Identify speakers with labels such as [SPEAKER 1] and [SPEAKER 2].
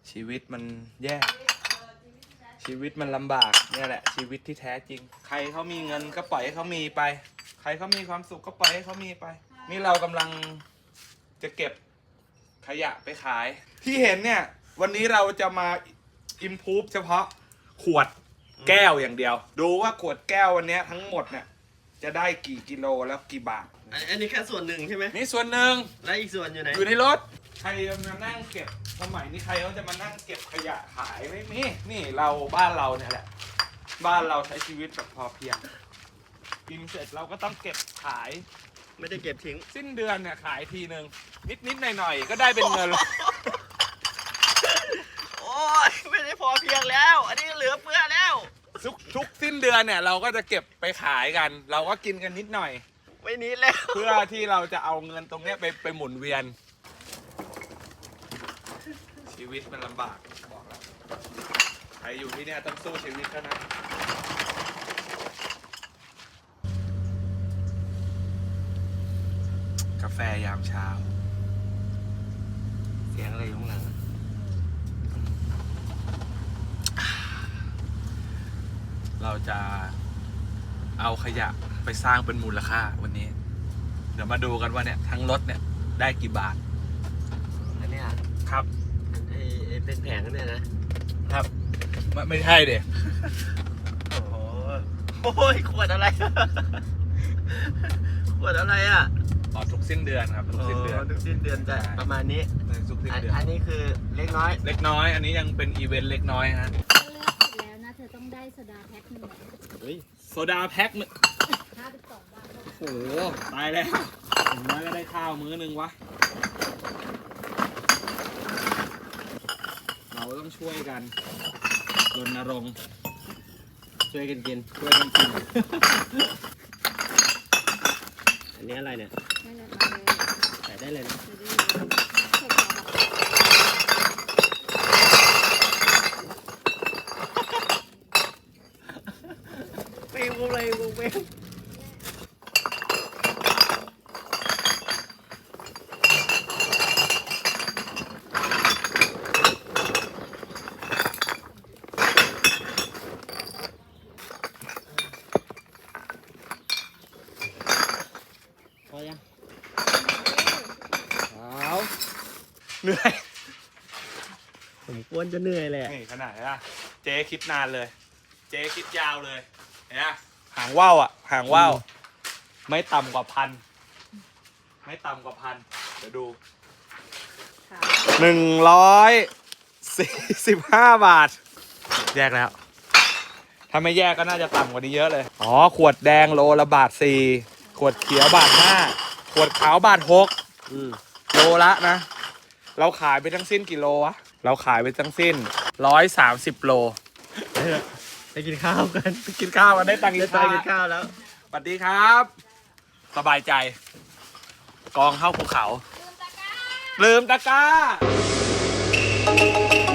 [SPEAKER 1] ชีวิตมันแย่ชีวิตมันลำบากเนี่ยแหละชีวิตที่แท้จริงใครเขามีเงินก็ปล่อยให้เขามีไปใครเขามีความสุขก็ปล่อยให้เขามีไปนี่เรากำลังจะเก็บขยะไปขายที่เห็นเนี่ยวันนี้เราจะมาอิมพูฟเฉพาะขวดแก้วอย่างเดียวดูว่าขวดแก้ววันนี้ทั้งหมดเนี่ยจะได้กี่กิโลแล้วกี่บาท
[SPEAKER 2] อันนี้แค่ส่วนหนึ่งใช่ไหม
[SPEAKER 1] นี่ส่วนหนึ่ง
[SPEAKER 2] แล้วอีกส่วนอยู่ไหน
[SPEAKER 1] อยู่ในรถใครจะมานั่งเก็บสมัยนี้ใครเขาจะมานั่งเก็บขยะขายไม่มีนี่เราบ้านเราเนี่ยแหละบ้านเราใช้ชีวิตแบบพอเพียงกินเสร็จเราก็ต้องเก็บขาย
[SPEAKER 2] ไม่ได้เก็บทิ้ง
[SPEAKER 1] สิ้นเดือนเนี่ยขายทีนึงนิดหน่อยก็ได้เป็นเงิน
[SPEAKER 2] โอ้ยไม่ได้พอเพียงแล้วอันนี้เหลือเฟือแล้ว
[SPEAKER 1] ทุกสิ้นเดือนเนี่ยเราก็จะเก็บไปขายกันเราก็กินกันนิดหน่อย
[SPEAKER 2] ไม่นิดแล้ว
[SPEAKER 1] เพื่อที่เราจะเอาเงินตรงนี้ไปหมุนเวียนชีวิตมันลำบากบอกแล้วใครอยู่ที่เนี่ยต้องสู้ชีวิตกันนะกาแฟยามเช้า
[SPEAKER 2] เสียงอะไรอยู่ข้างหลัง
[SPEAKER 1] เราจะเอาขยะไปสร้างเป็นมูลค่าวันนี้เดี๋ยวมาดูกันว่าเนี่ยทั้งรถเนี่ยได้กี่บาท
[SPEAKER 2] อันนี้
[SPEAKER 1] ครับ
[SPEAKER 2] ไอเป็นแผงเนี่ยนะครับ
[SPEAKER 1] ไม่ใช่เด็ก
[SPEAKER 2] โอ้ยขวดอะไรขวดอะไรอ่ะ
[SPEAKER 1] ทุกสิ้นเดือนครับทุกสิ้นเดือน
[SPEAKER 2] ทุกสิ้นเดือนจะประมาณนี้
[SPEAKER 1] ทุกสิ้นเดือน
[SPEAKER 2] อันนี้คือเล็กน้
[SPEAKER 1] อยอันนี้ยังเป็นอีเวนต์เล็กน้อยฮะ
[SPEAKER 3] เลือกเสร็จแล้วนะเธอต้องได้โซดาแพ็คหนึ่ง
[SPEAKER 1] โซดาแพ็คหนึ่ง
[SPEAKER 3] 52 บาท
[SPEAKER 1] โอ้โหตายแล้วผมน้อยก็ได้ข้าวมื้อนึงวะเราต้องช่วยกันรณรงค์
[SPEAKER 2] ช่วยกันกินอันนี้อะไรเนี่ยใส่ได้เลยนะปีกอะไรปีกพอยัง
[SPEAKER 1] เหนื่อย
[SPEAKER 2] ผมควรจะเหนื่อยแหละ
[SPEAKER 1] นี่ขนาดนี้นะเจ๊คิดนานเลยเจ๊คิดยาวเลยเนี่ยหางว่าวหางว่าวไม่ต่ำกว่าพันเดี๋ยวดู145 บาทแยกแล้วถ้าไม่แยกก็น่าจะต่ำกว่านี้เยอะเลยขวดแดงโลละบาท 4ขวดเขียวบาท 5ขวดขาวบาท 6โลละนะเราขายไปทั้งสิ้นกี่โลวะเราขายไปทั้งสิ้น130 โล
[SPEAKER 2] ไปกินข้าวกัน
[SPEAKER 1] ได้ตังค์กิน
[SPEAKER 2] ข้าวแล้ว
[SPEAKER 1] สวัสดีครับสบายใจกองเข้าภูเขาลืมตะกร้า